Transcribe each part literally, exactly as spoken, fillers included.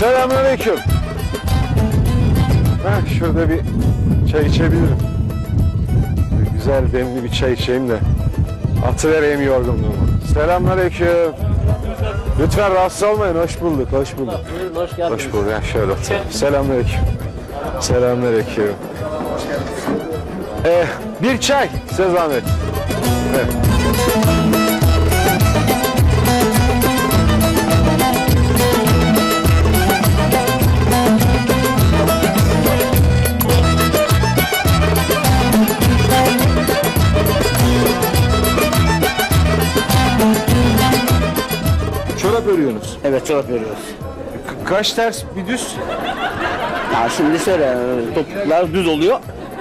Selamünaleyküm. Heh, şurada bir çay içebilirim. Bir güzel demli bir çay içeyim de atıvereyim yorgunluğumu. Selamünaleyküm. Lütfen rahatsız olmayın. Hoş bulduk, hoş bulduk. Hoş geldiniz. Hoş bulduk. Ya şöyle otur. Selamünaleyküm. Selamünaleyküm. Ee, bir çay size zahmet. Evet. Çorap örüyorsunuz. Evet, çorap örüyoruz. Ka- kaç ters bir düz? Ya şimdi şöyle topuklar düz oluyor.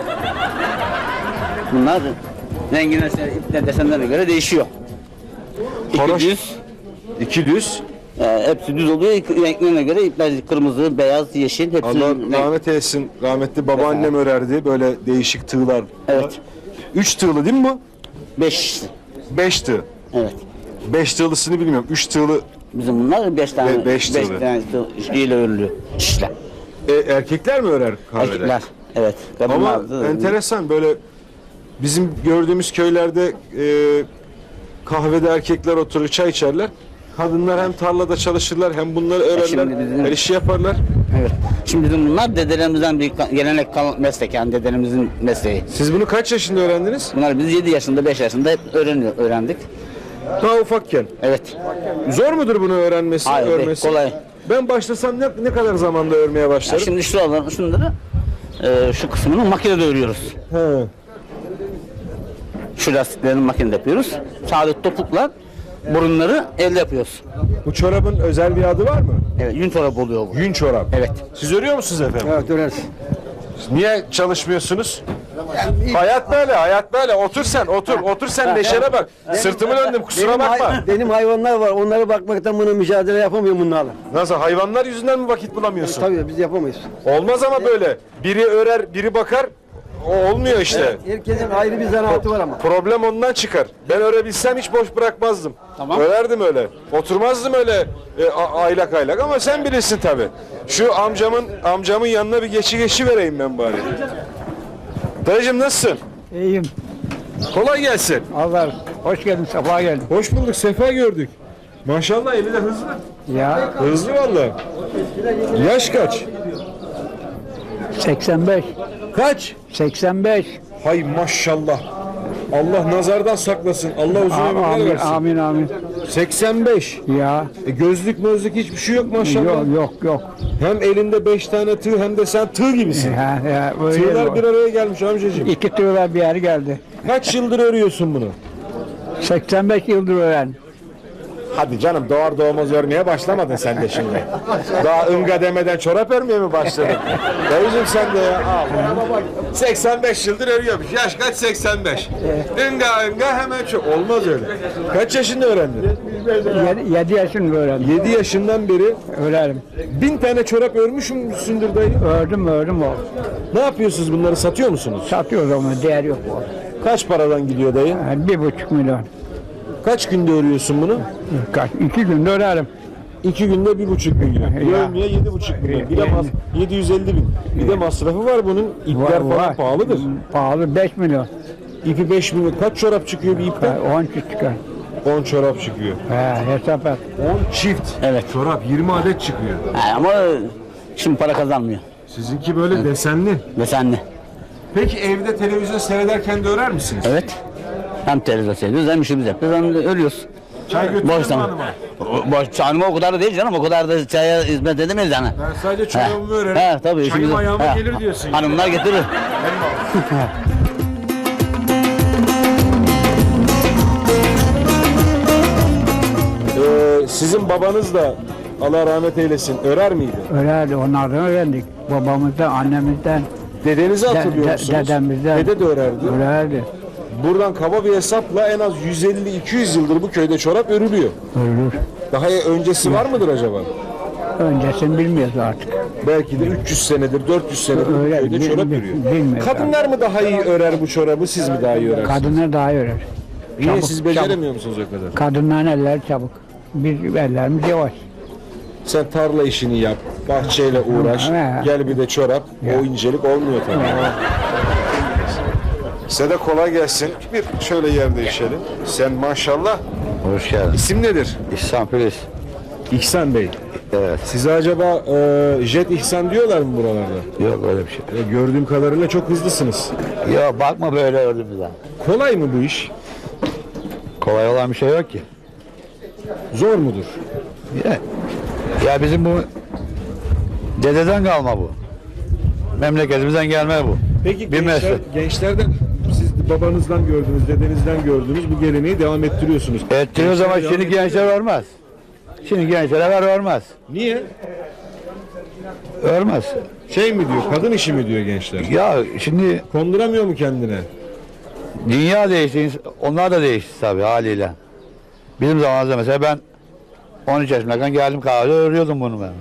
Bunlar rengine, ipne desenlerine göre değişiyor. İki Horoş. düz, İki düz. e, hepsi düz oluyor. Renklerine göre ipler kırmızı, beyaz, yeşil hepsi. Allah renk- rahmet eylesin. Rahmetli babaannem örerdi. Böyle değişik tığlar. Evet. Üç tığlı değil mi bu? Beş. Beş tığ. Evet. Beş tığlısını bilmiyorum. Üç tığlı Bizim bunlar beş tane. Be- beş tığlı. tane ile örülüyor. İşler. e, erkekler mi örer kahvede? Erkekler. Evet. Ama Kadınlar da- enteresan böyle bizim gördüğümüz köylerde e, kahvede erkekler oturur çay içerler. Kadınlar hem tarlada çalışırlar hem bunları örerler. şimdi bizim- Her işi yaparlar. Evet. Şimdi bizim bunlar dedelerimizden bir ka- gelenek kalan meslek, yani dedelerimizin mesleği. Siz bunu kaç yaşında öğrendiniz? Bunlar biz yedi yaşında, beş yaşında hep öğreniyor, öğrendik. Daha ufakken. Evet. Zor mudur bunu öğrenmesi, Hayır, değil, örmesi? kolay. Ben başlasam ne, ne kadar zamanda örmeye Ya başlarım? şimdi şuraları, şunları e, şu kısmını makinede örüyoruz. He. Şu lastiklerini makinede yapıyoruz. Sabit topuklar, burunları elde yapıyoruz. Bu çorabın özel bir adı var mı? Evet, yün çorabı oluyor bu. Yün çorap. Evet. Siz örüyor musunuz efendim? Evet öreriz. Niye çalışmıyorsunuz? Hayat böyle, hayat böyle. Otur sen, otur. Otur sen, neşene bak. Sırtımı döndüm, kusura Benim, bakma. hay- benim hayvanlar var. Onlara bakmaktan bunu mücadele yapamıyorum bunlarla. Nasıl, hayvanlar yüzünden mi vakit bulamıyorsun? Tabii biz yapamayız. Olmaz ama böyle. Biri örer, biri bakar. O olmuyor işte. Herkesin ayrı bir zanaatı var ama. Problem ondan çıkar. Ben örebilsem hiç boş bırakmazdım. Tamam. Örerdim öyle. Oturmazdım öyle e, a- aylak aylak ama sen bilirsin tabi. Şu amcamın amcamın yanına bir geçi geçi vereyim ben bari. Dayıcım nasılsın? İyiyim. Kolay gelsin. Allah hoş geldin, sefa geldin. Hoş bulduk, sefa gördük. Maşallah eli de hızlı. Ya Hızlı vallahi. Yaş kaç? seksen beş. Kaç? seksen beş. Hay maşallah. Allah nazardan saklasın. Allah uzun ömürler Amin versin. amin amin. seksen beş. Ya E gözlük mözlük hiçbir şey yok maşallah. yok yok yok. Hem elinde beş tane tığ hem de sen tığ gibisin. Ya, ya, öyle Tığlar bir araya gelmiş amcacığım. İki tığlar bir yer geldi. Kaç yıldır örüyorsun bunu? seksen beş yıldır öğren. Hadi canım doğar doğmaz örmeye başlamadın sen de şimdi. Daha ınga demeden çorap örmeye mi başladın? Dayıcım sen de ya. Allah. seksen beş yıldır örüyormuş. Yaş kaç? seksen beş. Inga ınga hemen çok. Olmaz öyle. Kaç yaşında öğrendin? Yedi, yedi yaşında öğrendim. yedi yaşından beri Öğrenim. bin tane çorap örmüşsündür dayı. Ördüm ördüm o. Ne yapıyorsunuz bunları, satıyor musunuz? Satıyoruz onu, değer yok o. Kaç paradan gidiyor dayı? Yani bir buçuk milyon. Kaç günde örüyorsun bunu? Kaç, iki günde örerim. İki günde bir buçuk milyon. Bir Ya. örmeye yedi buçuk milyon. Bir de mas yedi yüz elli bin. Bir de masrafı var bunun. İpler falan pahalıdır. Pahalı beş milyon. İpi beş milyon. Kaç çorap çıkıyor bir ipten? on çift çıkar. on çorap çıkıyor. He, hesap et. on çift. Evet. Çorap yirmi adet çıkıyor. Ha, ama şimdi para kazanmıyor. Sizinki böyle desenli. Desenli. Peki evde televizyon seyrederken de örer misiniz? Evet. Hem televizyon seyrediyoruz hem işimizi yapıyoruz hem de ölüyoruz. Çay götürür Boş mü zaman. hanıma? Boş çayıma o kadar da değil canım, o kadar da çaya hizmet edemeyiz yani. Ben sadece çorabımı örerim. He, tabii. Çayım işimizi- ayağıma he. gelir diyorsun. yani. Hanımlar getirir. Ee, sizin babanız da Allah rahmet eylesin örer miydi? Öyle onlardan öğrendik. Babamızdan, annemizden, Dedenizi hatırlıyor de- de- musunuz? dedemizden. Dede de örerdi. öğrendik. Buradan kaba bir hesapla en az yüz elli iki yüz yıldır bu köyde çorap örülüyor. Ölür. Daha öncesi var mıdır acaba? Öncesini bilmiyoruz artık. Belki de üç yüz senedir, dört yüz senedir bu Öyle, köyde bil- çorap bil- örüyor. bilmiyorum. Kadınlar mı daha iyi örer bu çorabı, siz mi daha iyi örersiniz? Kadınlar daha iyi örer. Niye çabuk, siz beceremiyor musunuz o kadar? Kadınların eller çabuk. Biz ellerimiz yavaş. Sen tarla işini yap, bahçeyle uğraş. Ha. Gel bir de çorap. O incelik olmuyor tabii. Size de kolay gelsin. Bir şöyle yer değişelim. Sen maşallah. Hoş geldin. İsim nedir? İhsan Filiz. İhsan Bey. Evet. Size acaba e, Jet İhsan diyorlar mı buralarda? Yok öyle bir şey. E, gördüğüm kadarıyla çok hızlısınız. Ya bakma böyle ördüğümüzden. Kolay mı bu iş? Kolay olan bir şey yok ki. Zor mudur? Ya, ya bizim bu dededen kalma bu. Memleketimizden gelme bu. Peki Bir gençler, meslek. gençlerden siz babanızdan gördünüz, dedenizden gördünüz bu geleneği devam ettiriyorsunuz. Ettiriyor zaman Gençler şimdi devam gençler örmez. Şimdi gençlere ver örmez. Niye? Örmez. Şey mi diyor, kadın işi mi diyor gençler? Ya şimdi Konduramıyor mu kendine? dünya değişti. Onlar da değişti tabii haliyle. Bizim zamanımızda mesela ben on üç yaşındayken geldim kahvede örüyordum bunu ben.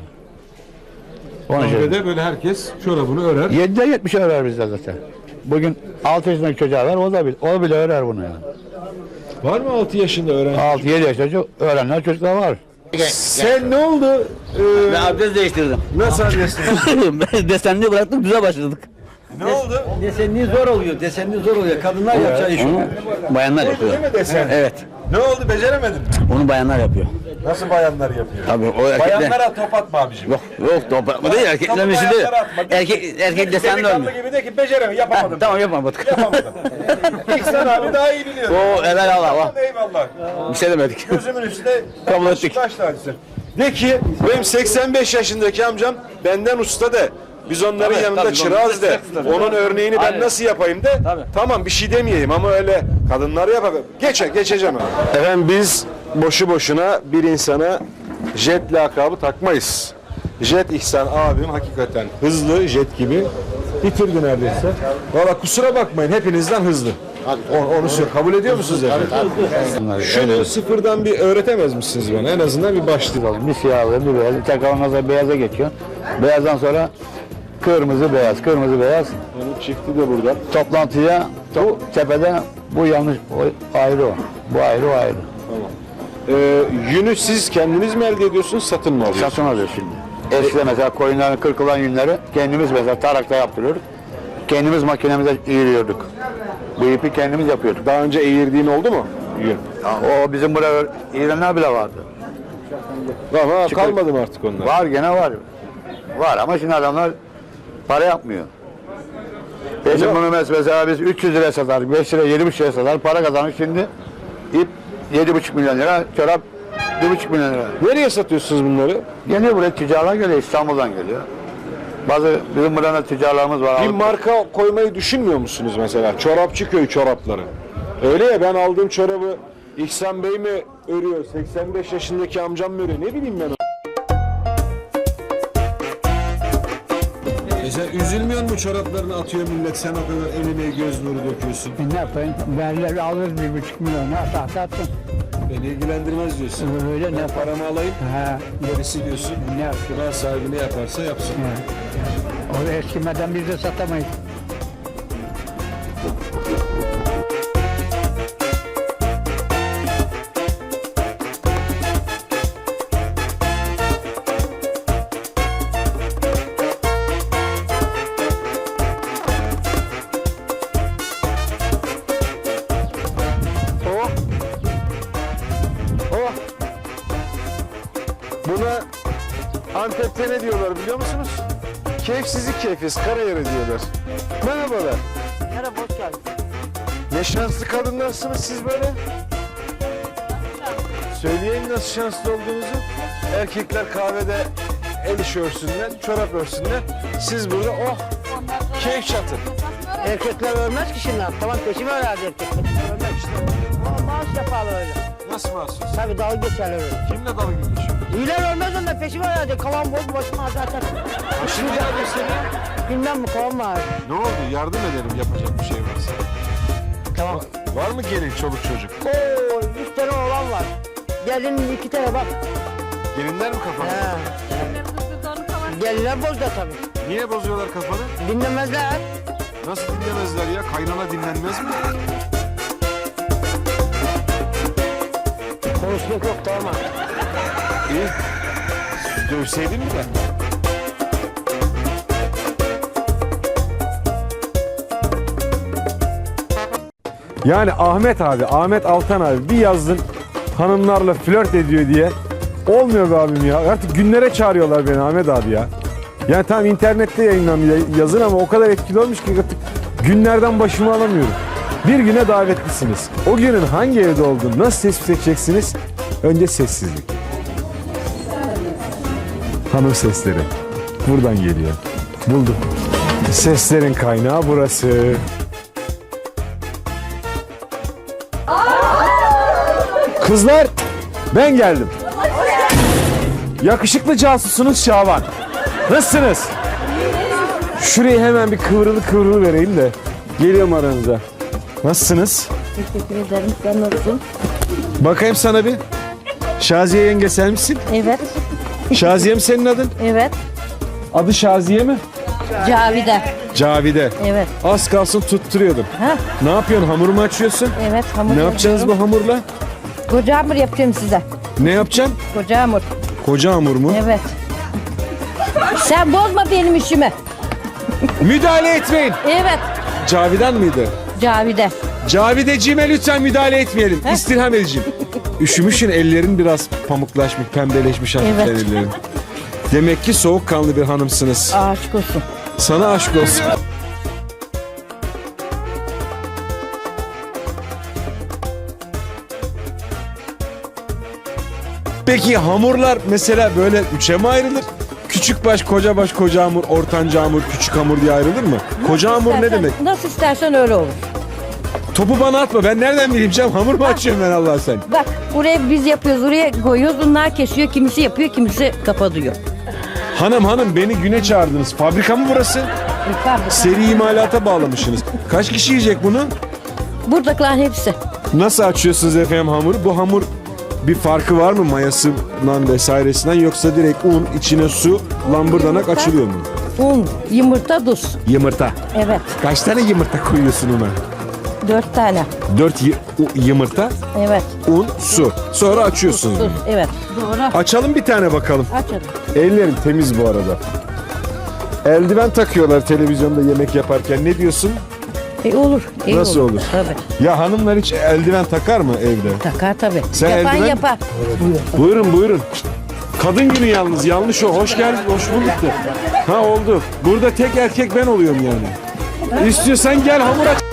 on üç yaşında. Kahvede böyle herkes çorabını örer. yedide yetmişe örer bizde zaten. Bugün altı yaşındaki çocuğa ver, o da bile, o bile örer bunu yani. Var mı altı yaşında öğrenci? altı yedi yaşında çocuk- öğrenler çocuklar var. Sen ne oldu? Ee, Ben abdest değiştirdim. nasıl adresin? Desenli bıraktık düze başladık. Ne oldu? Desenli zor oluyor. Desenli zor oluyor. Kadınlar yapacağı iş. Onu bayanlar yapıyor. Değil mi desen? Evet. Ne oldu beceremedin mi? Onu bayanlar yapıyor. Nasıl bayanlar yapıyor? Tabii o erkekler. Bayanlara top atma abicim. Yok yok toprakma değil erkeklerin işi değil. Erkek erkek desenli Delikanlı olmuyor. gibi de ki beceremiyorum, yapamadım. Tamam yapamadık. Yapamadım. İhsan abi daha iyi biliyor. O helal Allah Allah. Eyvallah. Bir şey demedik. Gözümün üstüne Kabul ettik. Taş tacısın. De ki benim seksen beş yaşındaki amcam benden usta de. Biz onların Tabii, yanında tabii, çırağız de. tabii. Onun örneğini ben Aynen. nasıl yapayım de. Tabii. Tamam bir şey demeyeyim ama öyle kadınlar yapar. Geçe geçeceğim abi. Efendim biz boşu boşuna bir insana Jet lakabı takmayız. Jet İhsan abim hakikaten hızlı jet gibi bitirdi neredeyse. Valla kusura bakmayın hepinizden hızlı. Onu, onu söyle. Kabul ediyor musunuz efendim? Şunu sıfırdan bir öğretemez misiniz bana? En azından bir başlayalım. Bir siyahlı, bir beyaz, tekrar da beyaza geçiyor. Beyazdan sonra kırmızı beyaz, kırmızı beyaz. Onun çifti de burada. Toplantıya bu tepede bu yanlış, o ayrı o. Bu ayrı, o ayrı. Ee, yünü siz kendiniz mi elde ediyorsunuz, satın mı alıyorsunuz? Satın alıyor şimdi. Eskiden mesela koyunların kırkılan yünleri kendimiz mesela tarakta yaptırıyorduk. Kendimiz makinemize eğiriyorduk. Bu ipi kendimiz yapıyorduk. Daha önce eğirdiğin oldu mu? Yün. O bizim buraya eğirenler bile vardı. Ama kalmadı mı artık onlar? Var gene var. Var ama şimdi adamlar para yapmıyor. Bizim Yok. bunu mesela biz üç yüz liraya satar, beş lira, yedi buçuk liraya satar, para kazanır şimdi. İp yedi buçuk milyon lira, çorap bir buçuk milyon lira. Nereye satıyorsunuz bunları? Geliyor buraya tüccarlar geliyor, İstanbul'dan geliyor. Bazı bizim burada tüccarlarımız var. Bir alıp- marka koymayı düşünmüyor musunuz mesela? Çorapçı köy çorapları. Öyle ya ben aldığım çorabı İhsan Bey mi örüyor, seksen beş yaşındaki amcam mı örüyor? Ne bileyim ben. E sen üzülmüyor musun çoraplarını atıyor millet, sen o kadar eline göz nuru döküyorsun. Ne yapayım? Verler alır bir buçuk milyon. Tahta attım. Beni ilgilendirmez diyorsun. Öyle ne Paramı alayım, Ha, gerisi diyorsun. ne yapayım? Kral sahibi ne yaparsa yapsın. O eskimeden biz de satamayız. Oh. Oh. Buna Antep'te ne diyorlar biliyor musunuz? Keyifsizlik keyfiz, karayarı diyorlar. Merhabalar. Merhaba, hoş geldin. Ne şanslı kadınlarsınız siz böyle. Söyleyin nasıl şanslı olduğunuzu. Erkekler kahvede el işi örsünler, çorap örsünler. Siz burada oh, keyif çatı. Erkekler ölmez ki şimdi. Tamam peşimi herhalde erkekler. Ölmez işte. Ama maaş yaparlar öyle. Nasıl mahsus? Tabii dalga geçerler öyle. Kimle dalga geçiyor? İyiler ölmez onlar peşimi herhalde. Kalan bol başıma zaten. Şimdi geldi seni. Bilmem mi kalan var. Ne oldu? Yardım edelim yapacak bir şey varsa. Tamam. Var mı gelin çoluk çocuk? Oo, üç tane oğlan var. Gelinin iki tane bak. Gelinler mi kafanı? He. Gelinler bozda tabii. Niye bozuyorlar kafanı? Dinlemezler. Nasıl dinlemezler ya? Kaynana dinlenmez mi? Konuşmak yok tamam. İyi. Dövseydin mi ben? Yani Ahmet abi, Ahmet Altan abi bir yazdın hanımlarla flört ediyor diye. Olmuyor be abim ya. Artık günlere çağırıyorlar beni Ahmet abi ya. Yani tamam internette yayınlanıyor yazın ama o kadar etkili olmuş ki artık günlerden başımı alamıyorum. Bir güne davetlisiniz. O günün hangi evde olduğunu nasıl tespit edeceksiniz? Önce sessizlik. Hanım sesleri. Buradan geliyor. Buldum. Seslerin kaynağı burası. Kızlar ben geldim. Yakışıklı casusunuz Şaban. Nasılsınız? Şurayı hemen bir kıvrılı kıvrılı vereyim de geliyorum aranıza. Nasılsınız? Teşekkür ederim. Sen nasılsın? Bakayım sana bir. Şaziye yenge sen misin? Evet. Şaziye mi senin adın? Evet. Adı Şaziye mi? Cavide. Cavide. Evet. Az kalsın tutturuyordum. Ha? Ne yapıyorsun? Hamur mu açıyorsun? Evet. Hamur Ne yapacaksınız bu hamurla? Koca hamur yapacağım size. Ne yapacaksın? Koca hamur. Koca hamur mu? Evet. Sen bozma benim işimi. Müdahale etmeyin. Evet. Cavidan mıydı? Cavide. Cavideciğime lütfen müdahale etmeyelim. İstirham edeceğim. Üşümüşün ellerin biraz pamuklaşmış, pembeleşmiş hafiften Evet. ellerin. Demek ki soğukkanlı bir hanımsınız. Aşk olsun. Sana aşk olsun. Peki hamurlar mesela böyle üçe mi ayrılır? Küçük baş, koca baş, koca hamur, ortanca hamur, küçük hamur diye ayrılır mı? Koca hamur ne İstersen- demek? Nasıl istersen öyle olur. Topu bana atma. Ben nereden bileyim canım? Hamur mu açıyorum ben Allah sen? Bak buraya biz yapıyoruz, oraya koyuyoruz. Bunlar kesiyor. Kimisi yapıyor, kimisi kapatıyor. Hanım hanım beni güne çağırdınız. Fabrika mı burası? Seri imalata bağlamışsınız. Kaç kişi yiyecek bunu? Buradakilerin hepsi. Nasıl açıyorsunuz efendim hamuru? Bu hamur bir farkı var mı mayasından vesairesinden yoksa direkt un, içine su, lambırdanak Yumurta. açılıyor mu? Un, yumurta, tuz. Yumurta. Evet. Kaç tane yumurta koyuyorsun ona? Dört tane. Dört y- u- yumurta, Evet. un, su. Sonra açıyorsunuz. Tuz. Evet. Doğru. Açalım bir tane bakalım. Aç hadi. Ellerim temiz bu arada. Eldiven takıyorlar televizyonda yemek yaparken. Ne diyorsun? E olur. iyi Nasıl olur? Tabii. Ya hanımlar hiç eldiven takar mı evde? Takar tabii. Sen Yapan eldiven- yapar. Buyurun buyurun. Kadın günü yalnız yanlış o. Hoş geldin. Hoş bulduk da. Ha oldu. Burada tek erkek ben oluyorum yani. İstiyorsan gel hamur aç.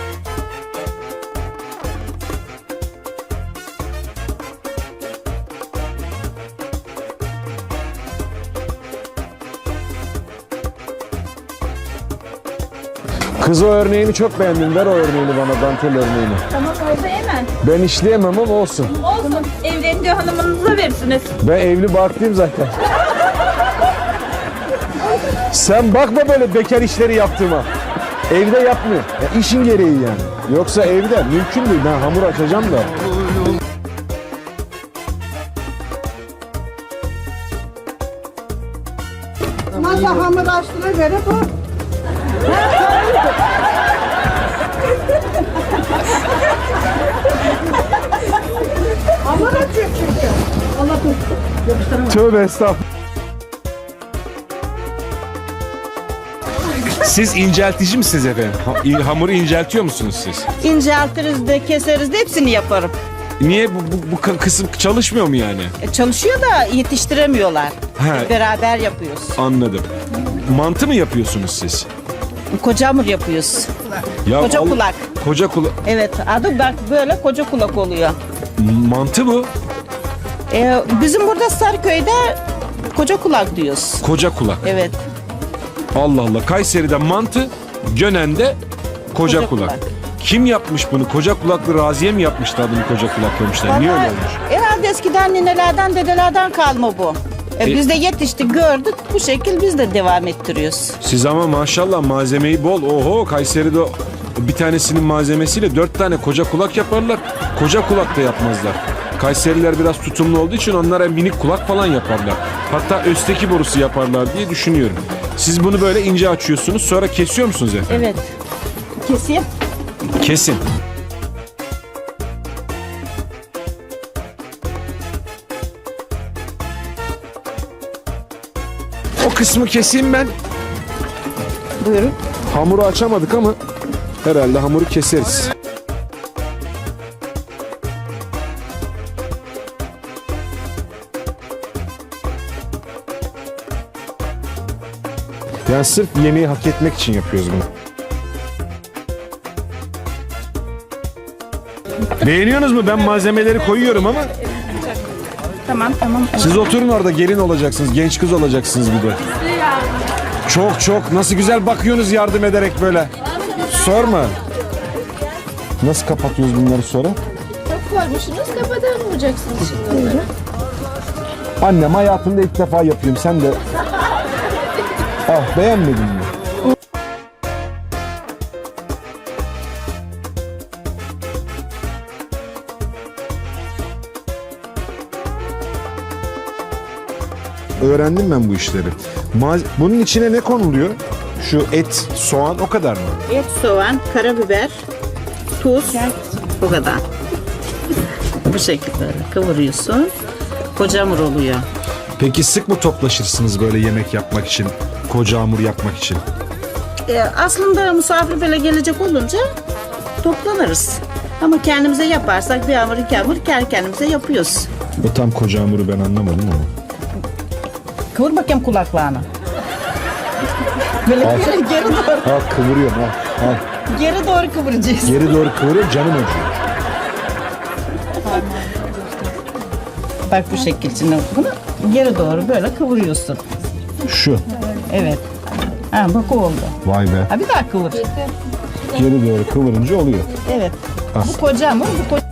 Kız o örneğini çok beğendim. Ver o örneğini bana, dantel örneğini. Tamam oldu hemen. Ben işleyemem ama olsun. Olsun. Evlenince hanımınıza verirsiniz. Ben evli barklıyım zaten. Sen bakma böyle bekar işleri yaptığıma. Evde yapmıyor. Ya işin gereği yani. Yoksa evde mümkün değil. Ben hamur açacağım da. Masa hamur açtığına göre bu. Hamur açıyor çünkü. Tövbe estağfurullah. Siz inceltici misiniz efendim? Ha- hamuru inceltiyor musunuz siz? İnceltiriz de keseriz de hepsini yaparım. Niye bu, bu, bu kı- kısım çalışmıyor mu yani? E, çalışıyor da yetiştiremiyorlar. He. Beraber yapıyoruz. Anladım. Mantı mı yapıyorsunuz siz? Koca hamur yapıyoruz. Ya Koca al- kulak. Koca kulak. Evet adı bak böyle koca kulak oluyor. Mantı bu. E, bizim burada Sarıköy'de koca kulak diyoruz. Koca kulak. Evet. Allah Allah. Kayseri'de mantı, Gönen'de koca, Koca kulak. kulak. Kim yapmış bunu? Koca kulaklı Raziye mi yapmıştı adını koca kulak demişler? Niye öyle Vallahi olmuş? herhalde eskiden ninelerden dedelerden kalma bu. E, E- biz de yetiştik gördük bu şekil biz de devam ettiriyoruz. Siz ama maşallah malzemeyi bol. Oho Kayseri'de bir tanesinin malzemesiyle dört tane koca kulak yaparlar. Koca kulak da yapmazlar. Kayseriler biraz tutumlu olduğu için onlara minik kulak falan yaparlar. Hatta östeki borusu yaparlar diye düşünüyorum. Siz bunu böyle ince açıyorsunuz sonra kesiyor musunuz efendim? Evet. Keseyim. Kesin. O kısmı keseyim ben. Buyurun. Hamuru açamadık ama herhalde hamuru keseriz. Yani sırf yemeği hak etmek için yapıyoruz bunu. Beğeniyorsunuz mu? Ben malzemeleri koyuyorum ama Tamam tamam. siz oturun orada, gelin olacaksınız, genç kız olacaksınız bir de. Çok çok nasıl güzel bakıyorsunuz yardım ederek böyle. Sorma. Nasıl kapatıyoruz bunları sonra? Çok koymuşsunuz kapatamayacaksınız şimdi onları. Annem hayatımda ilk defa yapıyorum, sen de. Ah, beğenmedin mi? Öğrendim ben bu işleri. Maz- Bunun içine ne konuluyor? Şu et, soğan o kadar mı? Et, soğan, karabiber, tuz. Bu kadar. Bu şekilde kıvırıyorsun. Koca hamur oluyor. Peki sık mı toplaşırsınız böyle yemek yapmak için, koca hamur yapmak için? Ee, aslında misafir böyle gelecek olunca toplanırız. Ama kendimize yaparsak bir hamur iki hamur kendi kendimize yapıyoruz. O tam koca hamuru ben anlamadım ama. Kıvır bakayım kulaklarını. Böyle geri, geri doğru, Al kıvırıyorum al. al. geri doğru kıvıracağız. Geri doğru kıvırıyorum, canım acıyor. Bak bu şekil şimdi bunu geri doğru böyle kıvırıyorsun. Şu. Evet. Ha bak o oldu. Vay be. Ha bir daha kıvır. Geri doğru kıvırınca oluyor. Evet. Ah. Bu koca hamur, bu koca...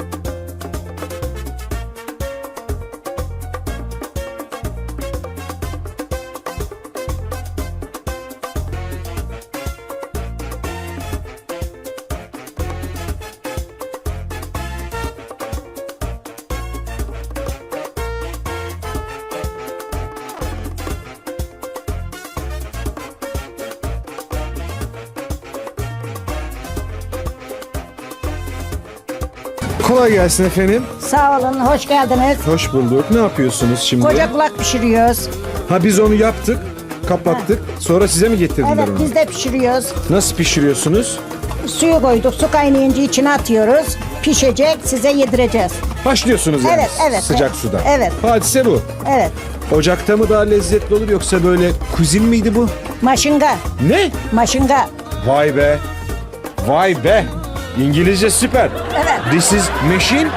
Kolay gelsin efendim. Sağ olun, hoş geldiniz. Hoş bulduk. Ne yapıyorsunuz şimdi? Koca kulak pişiriyoruz. Ha biz onu yaptık, kapattık. Sonra size mi getirdiler Evet, onu? biz de pişiriyoruz. Nasıl pişiriyorsunuz? Suyu koyduk, su kaynayınca içine atıyoruz. Pişecek, size yedireceğiz. Başlıyorsunuz yani Evet, evet, sıcak evet. suda. Evet. Hadise bu. Evet, Ocakta mı daha lezzetli olur yoksa böyle kuzin miydi bu? maşınga, Ne? maşınga. Vay be. Vay be. İngilizce süper. Evet. This is machine.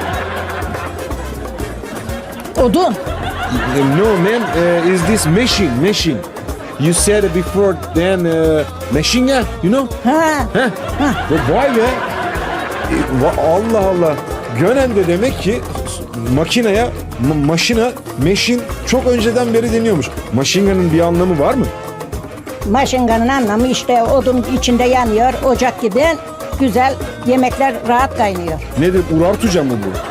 Odun. No man, uh, is this machine? Machine. You said it before then uh, machine gun, you know? Ha. Heh. Vay be. E, va- Allah Allah. Gönen'de demek ki makineye, ma- maşina, meşin çok önceden beri deniyormuş. Maşinganın bir anlamı var mı? Maşınganın anlamı işte odun içinde yanıyor, ocak gibi güzel yemekler rahat kaynıyor. Nedir? Urartuca mı bu?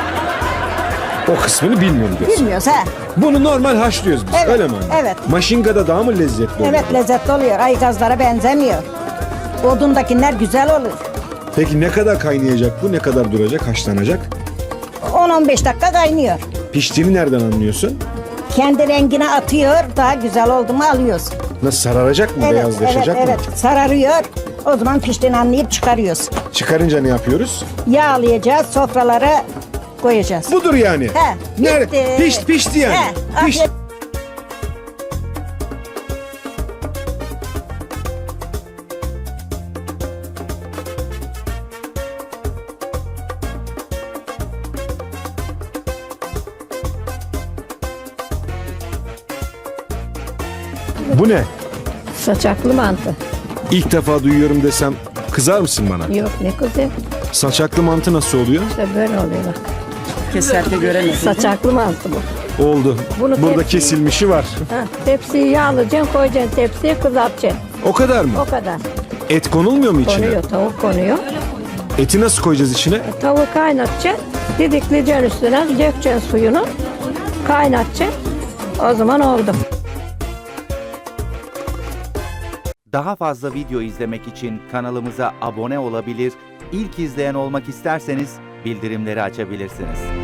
O kısmını bilmiyorum diyorsun. Bilmiyoruz ha. Bunu normal haşlıyoruz biz, Evet, öyle mi anne? evet. Maşingada daha mı lezzetli oluyor? Evet, lezzetli oluyor. Aygazlara benzemiyor. Odundakiler güzel olur. Peki ne kadar kaynayacak bu? Ne kadar duracak, haşlanacak? on on beş dakika kaynıyor. Piştiğini nereden anlıyorsun? Kendi rengine atıyor, daha güzel oldu mu alıyoruz. Nasıl sararacak mı? Evet, evet, Beyazlaşacak mı? evet. Sararıyor. O zaman piştiğini anlayıp çıkarıyoruz. Çıkarınca ne yapıyoruz? Yağlayacağız, sofralara koyacağız. Budur yani. He, Nerede? bitti. Pişti, pişti yani. He, Pişti. afiyet- Bu ne? Saçaklı mantı. İlk defa duyuyorum desem kızar mısın bana? Yok ne güzel. Saçaklı mantı nasıl oluyor? İşte böyle oluyor bak. Keserke göremedim. Saçaklı mantı bu. Oldu. Bunu Burada tepsi- kesilmişi var. Ha, tepsiyi yağlayacaksın, koyacaksın tepsiye, kızartacaksın. O kadar mı? O kadar. Et konulmuyor mu içine? Konuyor, tavuk konuyor. Eti nasıl koyacağız içine? Tavuğu kaynatacaksın, didikleyeceksin üstüne, dökeceksin suyunu, kaynatacaksın. O zaman oldu. Daha fazla video izlemek için kanalımıza abone olabilir, ilk izleyen olmak isterseniz bildirimleri açabilirsiniz.